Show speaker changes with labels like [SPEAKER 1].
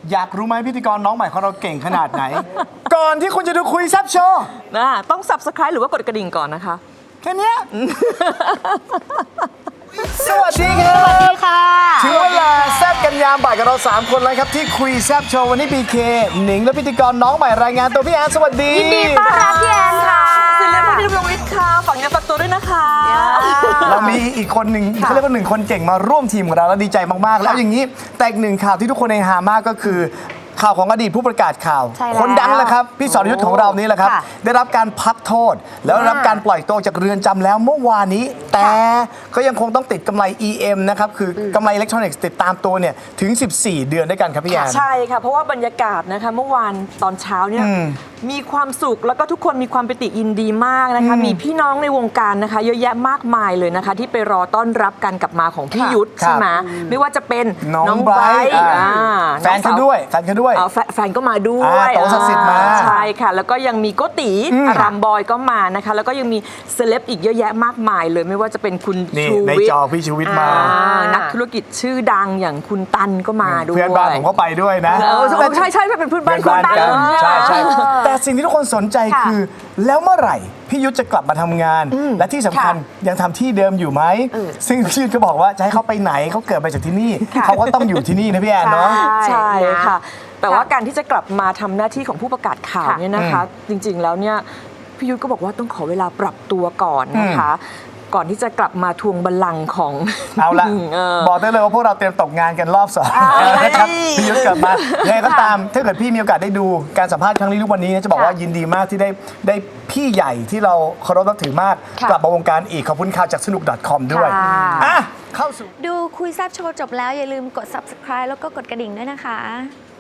[SPEAKER 1] อยากรู้ไหมพิธีกรน้องใหม่ของเราเก่งขนาดไหน ก่อนที่คุณจะดูคุยแซ่บโชว์
[SPEAKER 2] ต้อง subscribe หรือว่ากดกระดิ่งก่อนนะคะ
[SPEAKER 1] แค่เนี้ย สวัสดีครับ
[SPEAKER 3] สวัสดีค่ะ
[SPEAKER 1] ถึงเวลาแซ่บกันยามบ่ายกับเรา 3 คนแล้วครับที่คุยแซ่บโชว์วันนี้บีเคหนิงและพิธีกรน้องใหม่รายงานตัวพี่แอนสวัสดี
[SPEAKER 3] ยินดีต้อนรับพี่แอนค่ะ
[SPEAKER 2] ศิลปินดำรงฤทธิ์ค่ะฝากเนื้อฝากตัวด้วยนะคะ
[SPEAKER 1] เรามีอีกคนหนึ่งเขาเรียกว่า1 คนเก่งมาร่วมทีมของเราแล้วดีใจมากๆ แล้วอย่างนี้แต่อีก1 ข่าวที่ทุกคนเฮฮามากก็คือข่าวของอดีตผู้ประกาศข่าว
[SPEAKER 3] ใช่แล้ว
[SPEAKER 1] คนดังแหละครับพี่สรยุทธ์ของเรานี่แหละครับ
[SPEAKER 3] ค่ะ
[SPEAKER 1] ได้รับการพักโทษ แล้วได้รับการปล่อยตัวจากเรือนจำแล้วเมื่อวานนี้ แต่ก็ยังคงต้องติดกำไร EM นะครับคือกำไรอิเล็กทรอนิกส์ติดตามตัวเนี่ยถึง 14 เดือนด้วยกันครับพี่แอน
[SPEAKER 2] ใช่ค่ะ เพราะว่าบรรยากาศนะคะเมื่อวานตอนเช้าเนี่ยมีความสุขแล้วก็ทุกคนมีความปิติยินดีมากนะคะมีพี่น้องในวงการนะคะเยอะแยะมากมายเลยนะคะที่ไปรอต้อนรับการกลับมาของพี่ยุทธ
[SPEAKER 1] ครับ
[SPEAKER 2] ใช่ไหมไม่ว่าจะเป็น
[SPEAKER 1] น้องไบรท์ แฟนเขาด้วยแฟนเขาด้วย
[SPEAKER 2] แฟนก็มาด้ว
[SPEAKER 1] อ่าย โตศักดิ์สิทธิ์มา
[SPEAKER 2] ใช่ค่ะ แล้วก็ยังมีโกติอารามบอยก็มานะคะ แล้วก็ยังมีเซเลบอีกเยอะแยะมากมายเลยไม่ว่าจะเป็นคุณ
[SPEAKER 1] นี่
[SPEAKER 2] ชู
[SPEAKER 1] ใน
[SPEAKER 2] วิท
[SPEAKER 1] จอ
[SPEAKER 2] ย์
[SPEAKER 1] พี่ชูวิทย์มา
[SPEAKER 2] นักธุรกิจชื่อดังอย่างคุณตันก็มาด้วย
[SPEAKER 1] เพื่อนบ้านผมก็ไปด้วยนะ
[SPEAKER 2] ใช่เป็นเพื่อนบ้าน
[SPEAKER 1] เพื่อนบ้าน
[SPEAKER 2] กั
[SPEAKER 1] กันใช่ใช่แต่สิ่งที่ทุกคนสนใจ
[SPEAKER 3] ค่ะ
[SPEAKER 1] คือ แล้วเมื่อไหร่พี่ยุทธจะกลับมาทำงาน และที่สำคัญยังทำที่เดิมอยู่ไหมซึ่งพี่ยุทธก็บอกว่าจะให้เขาไปไหนเขาเกิดมาจากที่นี่เขาก็ต้องอยู่ที่นี่นะพี่แอนเนาะ
[SPEAKER 2] ใช่ค่ะ แต่ว่า
[SPEAKER 3] ค่ะ
[SPEAKER 2] การที่จะกลับมาทำหน้าที่ของผู้ประกาศข่าว
[SPEAKER 3] ค่ะ
[SPEAKER 2] เนี่ยนะคะ จริงๆแล้วเนี่ยพี่ยุทธก็บอกว่าต้องขอเวลาปรับตัวก่อนนะคะ ก่อนที่จะกลับมาทวงบัลลังก์ของ
[SPEAKER 1] เอาละ บอกได้เลยว่าพวกเราเตรียมตกงานกันรอบ2นะครับพี่ยุทธกลับมายังไงก็ตามถ้าเกิดพี่มีโอกาสได้ดูการสัมภาษณ์ครั้งนี้ทุกวันนี้นะจะบอกว่ายินดีมากที่ได้พี่ใหญ่ที่เราเคารพนับถือมาก
[SPEAKER 3] ค่ะ
[SPEAKER 1] กลับมาวงการอีกขอบคุณข่าวจากสนุก .com ด้วย
[SPEAKER 3] ค่ะ
[SPEAKER 1] อ่ะเข้าสู่
[SPEAKER 4] ดูคุยแซบโชว์จบแล้วอย่าลืมกด subscribe แล้วก็กดกระดิ่งด้วยนะคะ